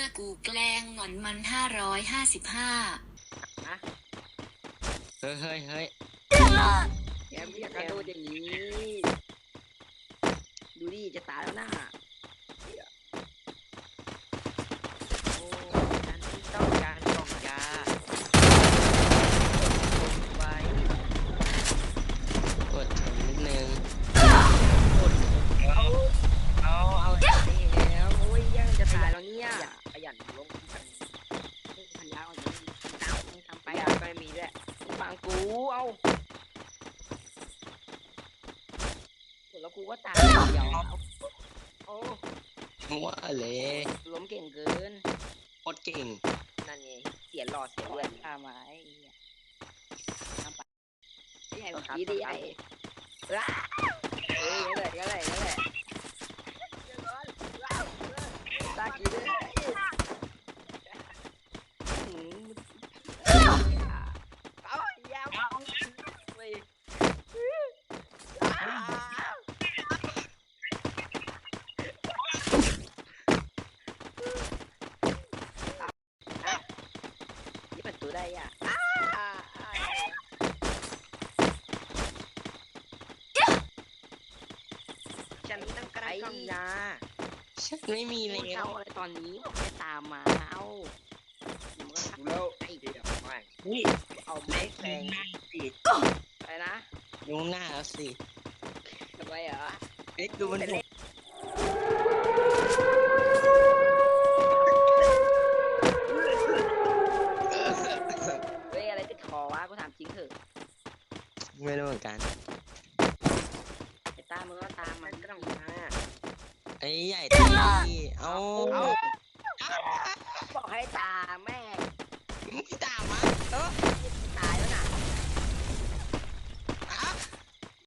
กูแกล้งงอนมัน555 ฮะเฮ้ยเฮ้ยเฮ้ยแกไม่อยากกระโดดอย่างนี้ดูดิจะตายแล้วนะโอ้ฉันต้องการกล่องยาไว้กดถึงนิดนึงกดเอาแล้วโอ้ยยังจะตายแล้วเนี่ยขยันลงพันยาอ่อนตามทำไปยาก็ไม่มีด้วยฟังกูเอาแล้วกูก็ตายเดียวโอ้ว่าเลยล้มเก่งเกินโคตรเก่งนั่นไงเสียหลอดเสียเลือดตามมาไอ้เนี่ยทำไปไอ้ใหญ่กว่าพี่ดิไอ้ว้าเอ้ยนั่นแหละตากี้ด้วยเอายาวไปนี่มันตัวได้อ่ะฉันต้องการกล่องยาฉันไม่มีแล้เอาวอะไรตอนนี้บอกให้ตามมาเอาแล้วไอ้เดี๋ยวไม่นี่เอาไม้แทงสิอะไรนะยุงหน้าแล้วสิทำไมเหรอเอ๊ะดูมันดิเฮ้ยอะไรติดคอวะกูถามจริงเถอะไม่รู้เหมือนกันไอ้ตามึงก็ตามมันก็ต้องมาไอ้ใหญ่ตีเอาบอกให้ตามแม่ไม่ตามมัน